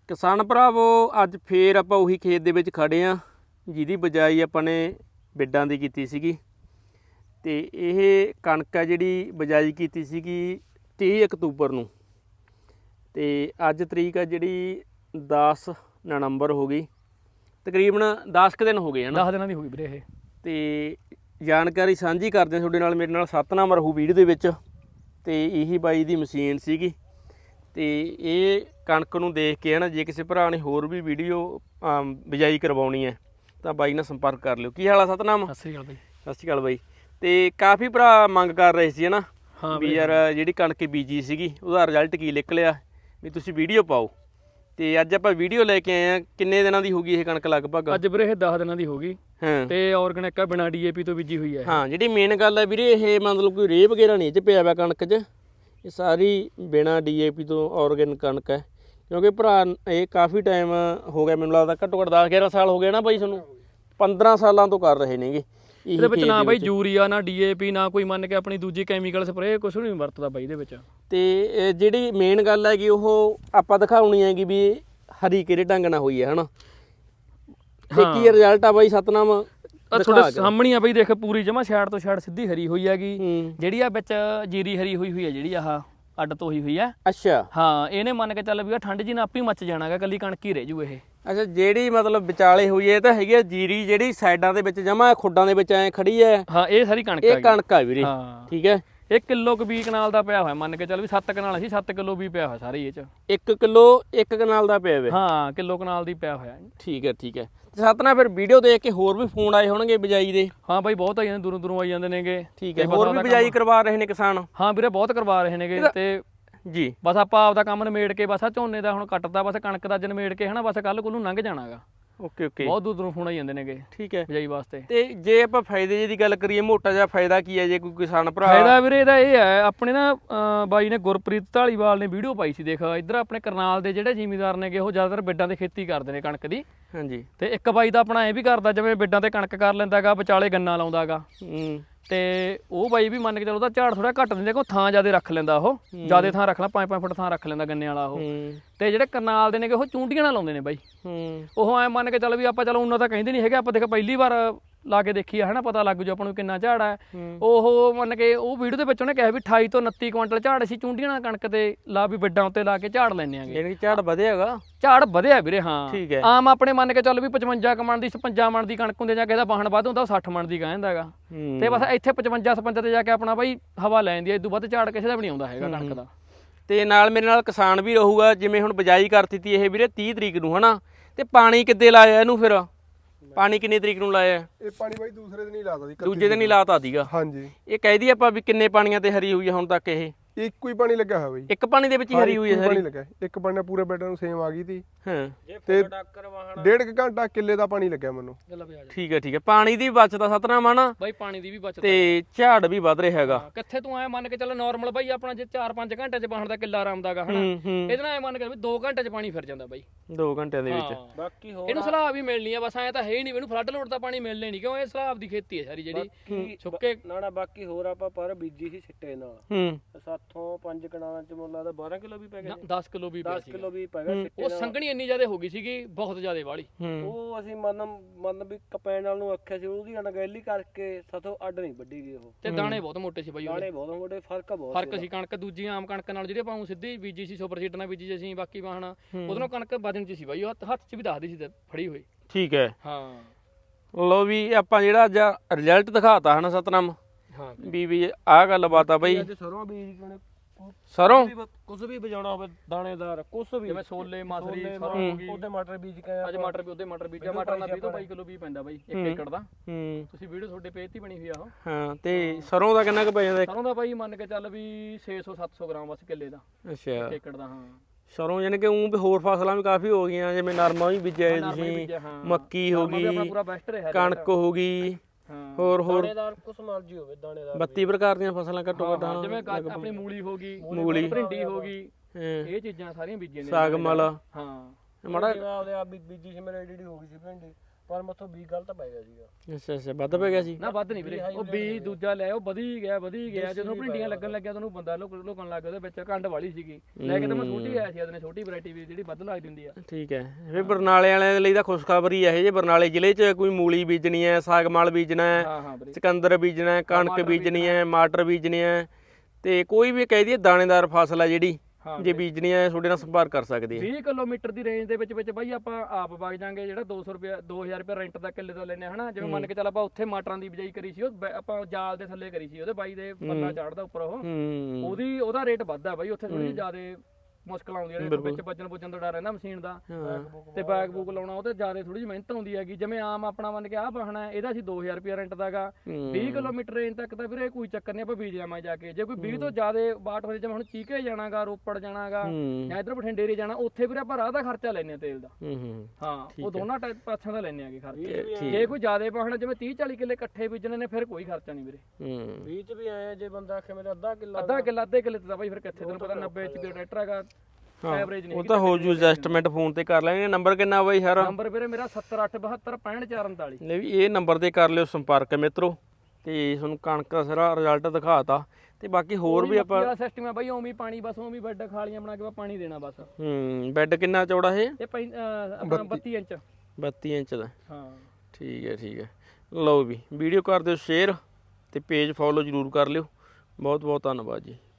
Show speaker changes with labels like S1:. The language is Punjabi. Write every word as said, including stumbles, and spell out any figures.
S1: ਕਿਸਾਨ ਭਰਾਵੋ ਅੱਜ ਫੇਰ ਆਪਾਂ ਉਹੀ ਖੇਤ ਦੇ ਵਿੱਚ ਖੜੇ ਆ ਜਿਹਦੀ ਬਜਾਈ ਆਪਾਂ ਨੇ ਬਿੱਡਾਂ ਦੀ ਕੀਤੀ ਸੀਗੀ ਤੇ ਇਹ ਕਣਕ ਆ ਜਿਹੜੀ ਬਜਾਈ ਕੀਤੀ ਸੀਗੀ ਤੀਹ ਅਕਤੂਬਰ ਨੂੰ ਤੇ ਅੱਜ ਤਰੀਕ ਆ ਜਿਹੜੀ ਦਸ ਨਵੰਬਰ ਹੋ ਗਈ, ਤਕਰੀਬਨ ਦਸ ਕੁ ਦਿਨ ਹੋ ਗਏ ਹਨ।
S2: ਦਸ ਦਿਨਾਂ ਦੀ ਹੋ ਗਈ ਵੀਰੇ ਇਹ।
S1: ਤੇ ਜਾਣਕਾਰੀ ਸਾਂਝੀ ਕਰਦੇ ਹਾਂ ਤੁਹਾਡੇ ਨਾਲ। ਮੇਰੇ ਨਾਲ ਸਤਨਾਮ ਰਹੂ ਵੀਡੀਓ ਦੇ ਵਿੱਚ ਤੇ ਇਹੀ ਬਾਈ ਦੀ ਮਸ਼ੀਨ ਸੀਗੀ ਤੇ ਇਹ ਕਣਕ ਨੂੰ ਦੇਖ ਕੇ ਨਾ ਜੇ ਕਿਸੇ ਭਰਾ ਨੇ ਹੋਰ ਵੀ ਵੀਡੀਓ ਬਿਜਾਈ ਕਰਵਾਉਣੀ ਹੈ ਤਾਂ ਬਾਈ ਨਾਲ ਸੰਪਰਕ ਕਰ ਲਿਓ। ਕੀ ਹਾਲ ਆ ਸਤਨਾਮ?
S2: ਸਤਿ ਸ੍ਰੀ ਅਕਾਲ ਬਾਈ।
S1: ਸਤਿ ਸ਼੍ਰੀ ਅਕਾਲ ਬਾਈ। ਤੇ ਕਾਫੀ ਭਰਾ ਮੰਗ ਕਰ ਰਹੇ ਸੀ ਨਾ
S2: ਹਾਂ
S1: ਵੀ ਯਾਰ ਜਿਹੜੀ ਕਣਕ ਬੀਜੀ ਸੀਗੀ ਉਹਦਾ ਰਿਜ਼ਲਟ ਕੀ ਨਿਕਲਿਆ ਵੀ ਤੁਸੀਂ ਵੀਡੀਓ ਪਾਓ। ਤੇ ਅੱਜ ਆਪਾਂ ਵੀਡੀਓ ਲੈ ਕੇ ਆਏ ਆ। ਕਿੰਨੇ ਦਿਨਾਂ ਦੀ ਹੋ ਗਈ ਇਹ ਕਣਕ ਲਗਭਗ?
S2: ਅੱਜ ਵੀਰੇ ਇਹ ਦਸ ਦਿਨਾਂ ਦੀ ਹੋ ਗਈ
S1: ਹਾਂ
S2: ਤੇ ਆਰਗੈਨਿਕ ਆ, ਬਿਨਾ ਡੀਏਪੀ ਤੋਂ ਬੀਜੀ ਹੋਈ ਹੈ।
S1: ਹਾਂ ਜਿਹੜੀ ਮੇਨ ਗੱਲ ਹੈ ਵੀਰੇ ਇਹ ਮਤਲਬ ਕੋਈ ਰੇਹ ਵਗੈਰਾ ਨਹੀਂ ਇਹ 'ਚ ਪਿਆ ਵਾ ਕਣਕ 'ਚ, ਇਹ ਸਾਰੀ ਬਿਨਾ ਡੀਏਪੀ ਤੋਂ ਆਰਗੈਨਿਕ ਕਣਕ ਹੈ। ਕਿਉਂਕਿ ਭਰਾ ਇਹ ਕਾਫੀ ਟਾਈਮ ਹੋ ਗਿਆ, ਮੈਨੂੰ ਲੱਗਦਾ ਘੱਟੋ ਘੱਟ ਦਸ ਗਿਆਰਾਂ ਸਾਲ ਹੋ ਗਏ ਨਾ ਬਾਈ ਤੁਹਾਨੂੰ, ਪੰਦਰਾਂ ਸਾਲਾਂ ਤੋਂ ਕਰ ਰਹੇ ਨੇਗੇ।
S2: ਇਹਦੇ ਵਿੱਚ ਨਾ ਬਾਈ ਯੂਰੀਆ ਨਾ ਡੀਏਪੀ ਨਾ ਕੋਈ ਮੰਨ ਕੇ ਆਪਣੀ ਦੂਜੀ ਕੈਮੀਕਲ ਸਪਰੇਅ ਕੁਛ ਨਹੀਂ ਵਰਤਦਾ ਬਾਈ ਇਹਦੇ ਵਿੱਚ।
S1: ਤੇ ਜਿਹੜੀ ਮੇਨ ਗੱਲ ਹੈਗੀ ਉਹ ਆਪਾਂ ਦਿਖਾਉਣੀ ਹੈਗੀ ਵੀ ਹਰੀ ਕਿਹੜੇ ਢੰਗ ਨਾਲ ਹੋਈ ਹੈ ਹਨਾ, ਤੇ ਕੀ ਰਿਜ਼ਲਟ ਆ ਬਾਈ ਸਤਨਾਮ?
S2: ਤੁਹਾਡੇ ਸਾਹਮਣੇ ਆ ਬਾਈ, ਦੇਖ ਪੂਰੀ ਜਮਾ ਸਾਈਡ ਤੋਂ ਸਾਈਡ ਸਿੱਧੀ ਹਰੀ ਹੋਈ ਹੈਗੀ। ਜਿਹੜੀ ਆ ਵਿੱਚ ਜੀਰੀ ਹਰੀ ਹੋਈ ਹੋਈ ਹੈ ਜਿਹੜੀ ਆਹ ਅੱਡ ਤੋਂ ਹੋਈ ਹੋਈ ਹੈ।
S1: ਅੱਛਾ
S2: ਹਾਂ ਇਹਨੇ ਮੰਨ ਕੇ ਚੱਲ ਵੀ ਆ ਠੰਡ ਜੀ ਨਾਲ ਆਪੇ ਮੱਚ ਜਾਣਾਗਾ, ਕੱਲੀ ਕਣਕ ਹੀ ਰਹਿ ਜੂ ਇਹ।
S1: ਅੱਛਾ ਜਿਹੜੀ ਮਤਲਬ ਵਿਚਾਲੇ ਹੋਈ ਹੈ ਇਹ ਤਾਂ ਹੈਗੀ ਆ ਜੀਰੀ ਜਿਹੜੀ ਸਾਈਡਾਂ ਦੇ ਵਿੱਚ ਜਮਾ ਖੁੱਡਾਂ ਦੇ ਵਿੱਚ ਐ ਖੜੀ ਹੈ।
S2: ਹਾਂ ਇਹ ਸਾਰੀ ਕਣਕ
S1: ਇਹ ਕਣਕ ਆ ਵੀਰੇ।
S2: ਹਾਂ
S1: ਠੀਕ ਹੈ।
S2: ਇੱਕ ਕਿਲੋ ਕੁ ਵੀਹ ਕਨਾਲ ਦਾ ਪਿਆ ਹੋਇਆ, ਮੰਨ ਕੇ ਚੱਲ ਵੀ ਸੱਤ ਕਨਾਲ ਸੀ, ਸੱਤ ਕਿਲੋ ਵੀ ਪਿਆ ਹੋਇਆ ਸਾਰੇ ਇਹ ਚ।
S1: ਇੱਕ ਕਿਲੋ ਇੱਕ ਕਨਾਲ ਦਾ ਪਿਆ ਵੇ?
S2: ਹਾਂ ਕਿਲੋ ਕਨਾਲ ਦੀ ਪਿਆ ਹੋਇਆ।
S1: ਠੀਕ ਹੈ ਠੀਕ ਹੈ। ਤੇ ਸਤਨਾ ਫਿਰ ਵੀਡੀਓ ਦੇਖ ਕੇ ਹੋਰ ਵੀ ਫੋਨ ਆਏ ਹੋਣਗੇ ਬਿਜਾਈ ਦੇ?
S2: ਹਾਂ ਬਾਈ ਬਹੁਤ ਆਈ ਜਾਂਦੇ, ਦੂਰੋਂ ਦੂਰੋਂ ਆਈ ਜਾਂਦੇ ਨੇਗੇ।
S1: ਠੀਕ ਹੈ। ਹੋਰ ਵੀ ਬਿਜਾਈ ਕਰਵਾ ਰਹੇ ਨੇ ਕਿਸਾਨ?
S2: ਹਾਂ ਵੀਰੇ ਬਹੁਤ ਕਰਵਾ ਰਹੇ ਨੇਗੇ। ਤੇ
S1: ਜੀ ਬਸ
S2: ਆਪਾਂ ਆਪਦਾ ਕੰਮ ਨਿਮੇੜ ਕੇ ਬਸ ਆ ਝੋਨੇ ਦਾ ਹੁਣ ਕੱਟਦਾ, ਬਸ ਕਣਕ ਦਾ ਅੱਜ ਨਿਮੇੜ ਕੇ ਹਨਾ, ਬਸ ਕੱਲ ਕੋਲ ਨੂੰ ਲੰਘ ਜਾਣਾਗਾ।
S1: Okay okay.
S2: ਬਹੁਤ ਦੂਰ ਦੂਰੋਂ ਫੋਨ ਆਈ ਜਾਂਦੇ ਨੇਗੇ।
S1: ਠੀਕ ਹੈ
S2: ਬਿਜਾਈ ਵਾਸਤੇ।
S1: ਤੇ ਜੇ ਆਪਾਂ ਫਾਇਦੇ ਦੀ ਗੱਲ ਕਰੀਏ, ਮੋਟਾ ਜਿਹਾ ਫਾਇਦਾ ਕੀ ਹੈ ਜੇ ਕੋਈ ਕਿਸਾਨ ਭਰਾ?
S2: ਫਾਇਦਾ ਵੀਰੇ ਇਹਦਾ ਇਹ ਹੈ, ਆਪਣੇ ਨਾ ਬਾਈ ਨੇ ਗੁਰਪ੍ਰੀਤ ਢਾਲੀਵਾਲ ਨੇ ਵੀਡੀਓ ਪਾਈ ਸੀ, ਦੇਖ ਇੱਧਰ ਆਪਣੇ ਕਰਨਾਲ ਦੇ ਜਿਹੜੇ ਜ਼ਿਮੀਂਦਾਰ ਨੇਗੇ ਉਹ ਜ਼ਿਆਦਾਤਰ ਬਿੱਡਾਂ ਤੇ ਖੇਤੀ ਕਰਦੇ ਨੇ ਕਣਕ ਦੀ।
S1: ਹਾਂਜੀ।
S2: ਤੇ ਇੱਕ ਬਾਈ ਦਾ ਆਪਣਾ ਇਹ ਵੀ ਕਰਦਾ ਜਿਵੇਂ ਬਿੱਡਾਂ ਤੇ ਕਣਕ ਕਰ ਲੈਂਦਾਗਾ, ਵਿਚਾਲੇ ਗੰਨਾ ਲਾਉਂਦਾਗਾ।
S1: ਹੂੰ।
S2: ਤੇ ਉਹ ਬਾਈ ਵੀ ਮੰਨ ਕੇ ਚਲੋ ਉਹਦਾ ਝਾੜ ਥੋੜਾ ਘੱਟ ਦਿੰਦੇ, ਕਿਉਂ ਥਾਂ ਜ਼ਿਆਦਾ ਰੱਖ ਲੈਂਦਾ ਉਹ, ਜ਼ਿਆਦਾ ਥਾਂ ਰੱਖ ਲਾ, ਪੰਜ ਪੰਜ ਫੁੱਟ ਥਾਂ ਰੱਖ ਲੈਂਦਾ ਗੰਨੇ ਵਾਲਾ ਉਹ। ਤੇ ਜਿਹੜੇ ਕਰਨਾਲ ਦੇ ਨੇਗੇ ਉਹ ਚੂੰਡੀਆਂ ਨਾਲ ਲਾਉਂਦੇ ਨੇ ਬਾਈ। ਉਹ ਐ ਮੰਨ ਕੇ ਚੱਲ ਵੀ ਆਪਾਂ ਚਲੋ ਉਹਨਾਂ ਤਾਂ ਕਹਿੰਦੇ ਨਹੀਂ ਹੈਗੇ, ਆਪਾਂ ਦੇਖ ਪਹਿਲੀ ਵਾਰ ਲਾ ਕੇ ਦੇਖੀ ਹੈ ਨਾ, ਪਤਾ ਲੱਗ ਜੂ ਆਪਾਂ ਨੂੰ ਕਿੰਨਾ ਝਾੜ ਹੈ। ਉਹ ਮੰਨ ਕੇ ਉਹ ਵੀਡੀਓ ਦੇ ਵਿੱਚ ਉਹਨੇ ਕਿਹਾ ਵੀ ਅਠਾਈ ਤੋਂ ਉਨੱਤੀ ਕੁਇੰਟਲ ਝਾੜ ਅਸੀਂ ਚੂੰਡੀਆਂ ਨਾਲ ਕਣਕ ਤੇ ਲਾ ਵੀ ਬਿੱਡਾਂ ਉੱਤੇ ਲਾ ਕੇ ਝਾੜ ਲੈਂਦੇ ਆਂਗੇ।
S1: ਯਾਨੀ ਝਾੜ ਵਧਿਆ ਹੈਗਾ?
S2: ਝਾੜ ਵਧਿਆ ਵੀਰੇ। ਹਾਂ
S1: ਠੀਕ ਹੈ।
S2: ਆਮ ਆਪਣੇ ਮੰਨ ਕੇ ਚੱਲ ਵੀ ਪਚਵੰਜਾ ਕੁ ਮਣ ਦੀ ਛਪੰਜਾ ਮਣ ਦੀ ਕਣਕ ਹੁੰਦੀ, ਜਾਂ ਕਿਸੇ ਦਾ ਵਾਹਣ ਵੱਧ ਹੁੰਦਾ ਉਹ ਸੱਠ ਮਣ ਦੀ ਕਹਿ ਦਿੰਦਾ ਹੈਗਾ। ਤੇ ਬਸ ਇੱਥੇ ਪਚਵੰਜਾ ਛਪੰਜਾ ਤੇ ਜਾ ਕੇ ਆਪਣਾ ਬਾਈ ਹਵਾ ਲੈ ਜਾਂਦੀ ਹੈ, ਇਦੋਂ ਵੱਧ ਝਾੜ ਕਿਸੇ ਦਾ ਵੀ ਨਹੀਂ ਆਉਂਦਾ ਹੈਗਾ ਕਣਕ ਦਾ।
S1: ਤੇ ਨਾਲ ਮੇਰੇ ਨਾਲ ਕਿਸਾਨ ਵੀ ਰਹੂਗਾ। ਜਿਵੇਂ ਹੁਣ ਬਿਜਾਈ ਕਰ ਦਿੱਤੀ ਇਹ ਵੀਰੇ ਤੀਹ ਤਰੀਕ ਨੂੰ ਹਨਾ, ਤੇ ਪਾਣੀ ਕਿੱਦੇ ਲਾਇਆ ਇਹਨੂੰ? ਫਿਰ ਪਾਣੀ ਕਿੰਨੀ ਤਰੀਕ ਨੂੰ ਲਾਇਆ
S3: ਇਹ? ਪਾਣੀ ਬਾਈ ਦੂਸਰੇ ਦਿਨ ਹੀ ਲਾਤਾ ਸੀ।
S1: ਦੂਜੇ ਦਿਨ ਹੀ ਲਾਤਾ ਸੀਗਾ?
S3: ਹਾਂਜੀ। ਇਹ
S1: ਕਹਿ ਦਈਏ ਆਪਾਂ ਵੀ ਕਿੰਨੇ ਪਾਣੀਆਂ ਤੇ ਹਰੀ ਹੋਈ ਹੈ ਹੁਣ ਤੱਕ? ਇਹ
S3: ਇੱਕੋ ਹੀ ਪਾਣੀ ਲੱਗਿਆ ਹੋਇਆ ਬਾਈ।
S1: ਇੱਕ ਪਾਣੀ ਦੇ ਵਿੱਚ ਹੀ ਹਰੀ ਹੋਈ ਹੈ ਸਾਰੀ?
S3: ਪਾਣੀ ਲੱਗਾ ਇੱਕ ਪਾਣੀ ਨਾਲ ਪੂਰੇ ਬੈਡਾਂ ਨੂੰ ਸੇਮ ਆ ਗਈ ਸੀ।
S1: ਹਾਂ।
S3: ਤੇ ਡੇਢ ਕੁ ਘੰਟਾ ਕਿੱਲੇ ਦਾ ਪਾਣੀ ਲੱਗਿਆ ਮੈਨੂੰ।
S1: ਠੀਕ ਹੈ ਠੀਕ ਹੈ। ਪਾਣੀ ਦੀ ਬਚਤ ਸਤਨਾਮ ਆ ਨਾ
S2: ਬਾਈ, ਪਾਣੀ ਦੀ ਵੀ ਬਚਤ
S1: ਤੇ ਝਾੜ ਵੀ ਵਧ ਰਿਹਾ ਹੈਗਾ।
S2: ਕਿੱਥੇ ਤੂੰ ਐ ਮੰਨ ਕੇ ਚੱਲ ਨਾਰਮਲ ਬਾਈ ਆਪਣਾ ਜੇ ਚਾਰ ਪੰਜ ਘੰਟੇ ਚ ਬਾਹਣ ਦਾ ਕਿੱਲਾ ਆਰਾਮ ਦਾਗਾ ਹਨਾ, ਇਹਦੇ ਨਾਲ ਐ ਮੰਨ ਕੇ ਵੀ ਦੋ ਘੰਟੇ ਚ ਪਾਣੀ ਫਿਰ ਜਾਂਦਾ ਬਾਈ।
S1: ਦੋ ਘੰਟਿਆਂ ਦੇ ਵਿੱਚ?
S2: ਬਾਕੀ ਹੋਰ ਇਹਨੂੰ ਸਲਾਬ ਵੀ ਮਿਲਣੀ ਆ, ਬਸ ਐ ਤਾਂ ਹੈ ਹੀ ਨਹੀਂ ਇਹਨੂੰ ਫਲੱਡ ਲੋਡ ਦਾ ਪਾਣੀ ਮਿਲਣੇ ਨਹੀਂ, ਕਿਉਂ ਇਹ ਸਲਾਬ ਦੀ ਖੇਤੀ ਹੈ ਸਾਰੀ ਜਿਹੜੀ ਸੁੱਕੇ
S4: ਨਾ। ਬਾਕੀ ਹੋਰ ਆਪਾਂ ਪਰ ਬੀਜੀ ਸੀ ਛਿੱਟੇ ਨਾਲ।
S1: ਹੂੰ।
S4: ਸਾਥੋਂ ਪੰਜ ਕਨਾਲਾਂ ਚ ਮੁੱਲ ਲੱਗਦਾ ਬਾਰਾਂ ਕਿਲੋ ਵੀ ਪੈ ਗਿਆ।
S2: ਦਸ ਕਿਲੋ ਵੀ
S4: ਦਸ ਕਿਲੋ ਵੀ ਪੈ ਗਿਆ।
S2: ਉਹ ਸੰਘਣੀ ਇੰਨੀ ਜ਼ਿਆਦਾ ਹੋ ਗਈ ਸੀਗੀ, ਬਹੁਤ ਜ਼ਿਆਦਾ ਵਾਲੀ।
S4: ਉਹ ਅਸੀਂ ਮੰਨ ਮੰਨ ਵੀ ਕਪੈਨ ਨਾਲ ਨੂੰ ਆਖਿਆ ਸੀ, ਉਹਦੀ ਅਣਗਹਿਲੀ ਕਰਕੇ ਸਾਥੋਂ ਅੱਡ ਨਹੀਂ ਵੱਢੀ ਗਈ ਉਹ।
S2: ਤੇ ਦਾਣੇ ਬਹੁਤ ਮੋਟੇ ਸੀ ਬਾਈ,
S4: ਦਾਣੇ ਬਹੁਤ ਮੋਟੇ, ਫਰਕ ਬਹੁਤ
S2: ਫਰਕ ਸੀ ਕਣਕ ਦੂਜੀ ਆਮ ਕਣਕ ਨਾਲ, ਜਿਹੜੇ ਆਪਾਂ ਸਿੱਧੀ ਬੀਜੀ ਸੀ ਸੁਪਰ ਸੀਡਰ ਨਾਲ ਬੀਜੀ ਸੀ ਅਸੀਂ, ਬਾਕੀ ਵਾਹਣਾ ਉਹਦੇ ਨਾਲ ਕਣਕ ਵਜਨ ਚ ਸੀ ਬਾਈ, ਉਹ ਹੱਥ ਚ ਵੀ ਦੱਸਦੀ ਸੀ ਫੜੀ ਹੋਈ।
S1: ਠੀਕ ਹੈ।
S2: ਹਾਂ
S1: ਲੋ ਵੀ ਆਪਾਂ ਜਿਹੜਾ ਅੱਜ ਰਿਜ਼ਲਟ ਦਿਖਾਤਾ ਹਨਾ ਸਤਨਾਮ,
S2: ਹਾਂ
S1: ਵੀ ਵੀ ਆਹ ਗੱਲ ਬਾਤ ਆ ਬਾਈ।
S4: ਸਰੋਂ ਬੀਜ
S1: ਸਰੋਂ
S4: ਕੁਝ ਵੀ ਬਜਾਉਣਾ ਹੋਵੇ ਦਾਣੇਦਾਰ, ਕੁਝ ਵੀ
S2: ਜਿਵੇਂ ਛੋਲੇ ਮਾਸਰੀ
S4: ਉਹਦੇ ਮਟਰ ਬੀਜ ਕੇ
S2: ਅੱਜ ਮਟਰ ਵੀ ਉਹਦੇ ਮਟਰ ਬੀਜਿਆ, ਮਟਰ ਨਾਲ ਵੀਹ ਤੋਂ ਬਾਈ ਕਿਲੋ ਵੀ ਪੈਂਦਾ ਬਾਈ ਇੱਕ ਏਕੜ ਦਾ।
S1: ਹੂੰ।
S2: ਤੁਸੀਂ ਵੀਡੀਓ ਤੁਹਾਡੇ ਪੇਜ ਤੇ ਬਣੀ ਹੋਈ ਆ ਉਹ।
S1: ਹਾਂ। ਤੇ ਸਰੋਂ ਦਾ ਕਿੰਨਾ ਕੁ ਪੈ ਜਾਂਦਾ?
S2: ਸਰੋਂ ਦਾ ਬਾਈ ਮੰਨ ਕੇ ਚੱਲ ਵੀ ਛੇ ਸੌ ਸੱਤ ਸੌ ਗ੍ਰਾਮ ਬਸ ਕਿੱਲੇ ਦਾ।
S1: ਅੱਛਾ।
S2: ਏਕੜ ਦਾ। ਹਾਂ
S1: ਸਰੋਂ ਯਾਨੀ ਕਿ ਉਹ ਵੀ ਹੋਰ ਫਸਲਾਂ ਵੀ ਕਾਫੀ ਹੋ ਗਈਆਂ, ਜਿਵੇਂ ਨਰਮਾ ਵੀ ਬੀਜਿਆ ਤੁਸੀਂ, ਮੱਕੀ ਹੋ ਗਈ, ਕਣਕ ਹੋ ਗਈ, ਹੋਰ ਹੋਰ
S4: ਦਾਣੇਦਾਰ ਕੁਛ ਮਰਜੀ ਹੋਵੇ ਦਾਣੇਦਾਰ
S1: ਬੱਤੀ ਪ੍ਰਕਾਰ ਦੀਆਂ ਫਸਲਾਂ ਘੱਟੋ ਘੱਟ,
S2: ਜਿਵੇਂ ਆਪਣੀ ਮੂਲੀ ਹੋ ਗਈ,
S1: ਮੂਲੀ,
S2: ਭਿੰਡੀ ਹੋ ਗਈ, ਇਹ ਚੀਜ਼ਾਂ ਸਾਰੀਆਂ ਬੀਜੀਆਂ ਨੇ।
S1: ਸਾਗ ਮਲ।
S2: ਹਾਂ
S4: ਮਾੜਾ ਆਪਦੇ ਆਪ ਬੀਜੀ ਸੀ ਮੇਰੇ, ਜਿਹੜੀ ਹੋ ਗਈ ਸੀ ਭਿੰਡੀ ਪਰ ਮੈਥੋਂ ਵੀ ਗਲਤ ਪੈ ਗਿਆ ਸੀਗਾ।
S1: ਅੱਛਾ ਅੱਛਾ ਵੱਧ ਪੈ ਗਿਆ ਸੀ।
S2: ਨਾ ਵੱਧ ਨਹੀਂ ਵੀਰੇ, ਉਹ ਬੀ ਦੂਜਾ ਲੈ ਉਹ ਵਧੀ ਗਿਆ ਵਧੀ ਗਿਆ ਜਦੋਂ ਭਿੰਡੀਆਂ ਲੱਗਣ ਲੱਗਿਆ ਤੁਹਾਨੂੰ ਬੰਦਾ ਲੋਕ ਲੋਕਣ ਲੱਗ ਗਿਆ ਉਹਦੇ ਵਿੱਚ ਕੰਡ ਵਾਲੀ ਸੀਗੀ। ਲੈ ਕੇ ਤਾਂ ਮੈਂ ਛੋਟੀ ਆਇਆ ਸੀ ਉਹਨੇ ਛੋਟੀ ਵੈਰਾਈਟੀ ਵੀ ਜਿਹੜੀ ਵੱਧ ਲੱਗਦੀ ਹੁੰਦੀ ਆ।
S1: ਠੀਕ ਹੈ, ਫਿਰ ਬਰਨਾਲੇ ਵਾਲਿਆਂ ਦੇ ਲਈ ਤਾਂ ਖੁਸ਼ਖਬਰੀ ਹੈ ਇਹ, ਜੇ ਬਰਨਾਲੇ ਜ਼ਿਲ੍ਹੇ 'ਚ ਕੋਈ ਮੂਲੀ ਬੀਜਣੀ ਹੈ, ਸਾਗ ਮਾਲ ਬੀਜਣਾ ਹੈ,
S2: ਹਾਂ ਹਾਂ ਵੀਰੇ,
S1: ਚਕੰਦਰ ਬੀਜਣਾ ਹੈ, ਕਣਕ ਬੀਜਣੀ ਹੈ, ਮਟਰ ਬੀਜਣੇ ਹੈ, ਤੇ ਕੋਈ ਵੀ ਕਹਿ ਦਈਏ ਦਾਣੇਦਾਰ ਫਸਲ ਹੈ ਜਿਹੜੀ ਜੇ ਬੀਜਣੀ ਹੈ ਤੁਹਾਡੇ ਨਾਲ ਸੰਪਰਕ ਕਰ ਸਕਦੇ ਆ।
S2: ਵੀਹ ਕਿਲੋਮੀਟਰ ਦੀ ਰੇਂਜ ਦੇ ਵਿੱਚ ਵਿੱਚ ਬਾਈ ਆਪਾਂ ਆਪ ਵਗ ਜਾਾਂਗੇ। ਜਿਹੜਾ ਦੋ ਸੌ ਰੁਪਏ ਦੋ ਹਜ਼ਾਰ ਰੁਪਏ ਰੈਂਟ ਦਾ ਕਿੱਲੇ ਤੋਂ ਲੈਨੇ ਹਨਾ, ਜਿਵੇਂ ਮੰਨ ਕੇ ਚੱਲ ਆਪਾਂ ਉੱਥੇ ਮਟਰਾਂ ਦੀ ਬਿਜਾਈ ਕਰੀ ਸੀ, ਉਹ ਬ- ਆਪਾਂ ਜਾਲ ਦੇ ਥੱਲੇ ਕਰੀ ਸੀ, ਉਹਦੇ ਬਾਈ ਦੇ ਪੱਲਾ ਚੜਦਾ ਉੱਪਰ ਉਹ,
S1: ਹੂੰ
S2: ਉਹਦੀ ਉਹਦਾ ਰੇਟ ਵੱਧਦਾ ਬਾਈ ਉੱਥੇ ਥੋੜੀ ਜ਼ਿਆਦਾ ਮੁਸ਼ਕਲ ਆਉਂਦੀ ਹੈ ਵਿੱਚ ਵੱਜਣ ਪੁੱਜਣ ਤੋਂ ਡਰ ਰਹਿੰਦਾ ਮਸ਼ੀਨ ਦਾ, ਤੇ ਬੈਗ ਬੂਕ ਲਾਉਣਾ ਉਹ ਤੇ ਜ਼ਿਆਦਾ ਥੋੜੀ ਜਿਹੀ ਮਿਹਨਤ ਆਉਂਦੀ ਹੈਗੀ। ਜਿਵੇਂ ਆਮ ਆਪਣਾ ਮੰਨ ਕੇ ਆਹ ਬਾਹਣਾ ਇਹਦਾ ਸੀ ਦੋ ਹਜ਼ਾਰ ਰੁਪਏ ਰੈਂਟ ਦਾਗਾ, ਵੀਹ ਕਿਲੋਮੀਟਰ ਰੇਂਜ ਤੱਕ ਤਾਂ ਵੀਰੇ ਕੋਈ ਚੱਕਰ ਨਹੀਂ, ਆਪਾਂ ਬੀਜ ਜਾਵਾਂ ਜਾ ਕੇ। ਜੇ ਕੋਈ ਵੀਹ ਤੋਂ ਜ਼ਿਆਦਾ ਬਾਟ ਹੋ ਜਾਏ, ਜਿਵੇਂ ਹੁਣ ਚੀਕੇ ਜਾਣਾਗਾ, ਰੋਪੜ ਜਾਣਾਗਾ ਜਾਂ ਇੱਧਰ ਬਠਿੰਡੇ ਏਰੀਆ ਜਾਣਾ, ਉੱਥੇ ਵੀਰੇ ਆਪਾਂ ਰਾਹ ਦਾ ਖਰਚਾ ਲੈਨੇ ਆ ਤੇਲ ਦਾ। ਹਾਂ ਉਹ ਦੋਨਾਂ ਟਾਈਪ ਪਾਸਿਆਂ ਦਾ ਲੈਨੇ ਆਗੇ ਖਰਚਾ। ਜੇ ਕੋਈ ਜ਼ਿਆਦਾ ਬਾਹਣਾ ਜਿਵੇਂ ਤੀਹ ਚਾਲੀ ਕਿੱਲੇ ਇਕੱਠੇ ਬੀਜਣੇ ਨੇ ਫਿਰ ਕੋਈ ਖਰਚਾ ਨਹੀਂ ਵੀਰੇ।
S4: ਵੀਹ ਚ ਵੀ ਆਏ ਜੇ ਬੰਦਾ ਆਖੇ ਮੇਰਾ ਅੱਧਾ ਕਿੱਲਾ
S2: ਅੱਧਾ ਕਿੱਲਾ ਅੱਧੇ ਕਿੱਲੇ ਤੇ ਤਾਂ ਬਾਈ ਫਿਰ ਕਿੱਥੇ ਤੈਨੂੰ ਪਤਾ ਨੱਬੇ ਐਚ ਪੀ ਟਰੈਕਟਰ ਹੈਗਾ, ਐਵਰੇਜ ਨਹੀਂ।
S1: ਉਹ ਤਾਂ ਹੋ ਜੂ ਐਡਜਸਟਮੈਂਟ ਫੋਨ ਤੇ ਕਰ ਲੈਣੇ। ਨੰਬਰ ਕਿੰਨਾ ਬਾਈ ਸਾਰਾ?
S2: ਨੰਬਰ ਵੀਰੇ ਮੇਰਾ ਸੱਤਰ ਅੱਠ ਬਹੱਤਰ ਪੈਂਹਠ ਚਾਰ ਉਨਤਾਲੀ।
S1: ਲੈ ਵੀ ਇਹ ਨੰਬਰ ਤੇ ਕਰ ਲਿਓ ਸੰਪਰਕ ਮਿੱਤਰੋ, ਤੇ ਤੁਹਾਨੂੰ ਕਣਕ ਦਾ ਸਾਰਾ ਰਿਜ਼ਲਟ ਦਿਖਾਤਾ, ਤੇ ਬਾਕੀ ਹੋਰ ਵੀ ਆਪਾਂ
S2: ਸਿਸਟਮ ਹੈ ਬਾਈ ਉਵੇਂ ਪਾਣੀ ਬਸ ਉਵੇਂ ਬੈੱਡ ਖਾਲੀਆਂ ਬਣਾ ਕੇ ਪਾਣੀ ਦੇਣਾ ਬਸ।
S1: ਹੂੰ ਬੈੱਡ ਕਿੰਨਾ ਚੌੜਾ ਇਹ?
S2: ਇਹ ਪੈਂ- ਅਹ ਆਪਣਾ ਬੱਤੀ ਇੰਚ।
S1: ਬੱਤੀ ਇੰਚ ਦਾ।
S2: ਹਾਂ
S1: ਠੀਕ ਹੈ ਠੀਕ ਹੈ, ਲਓ ਵੀ ਵੀਡੀਓ ਕਰ ਦਿਓ ਸ਼ੇਅਰ ਤੇ ਪੇਜ ਫੋਲੋ ਜ਼ਰੂਰ ਕਰ ਲਿਓ। ਬਹੁਤ ਬਹੁਤ ਧੰਨਵਾਦ ਜੀ।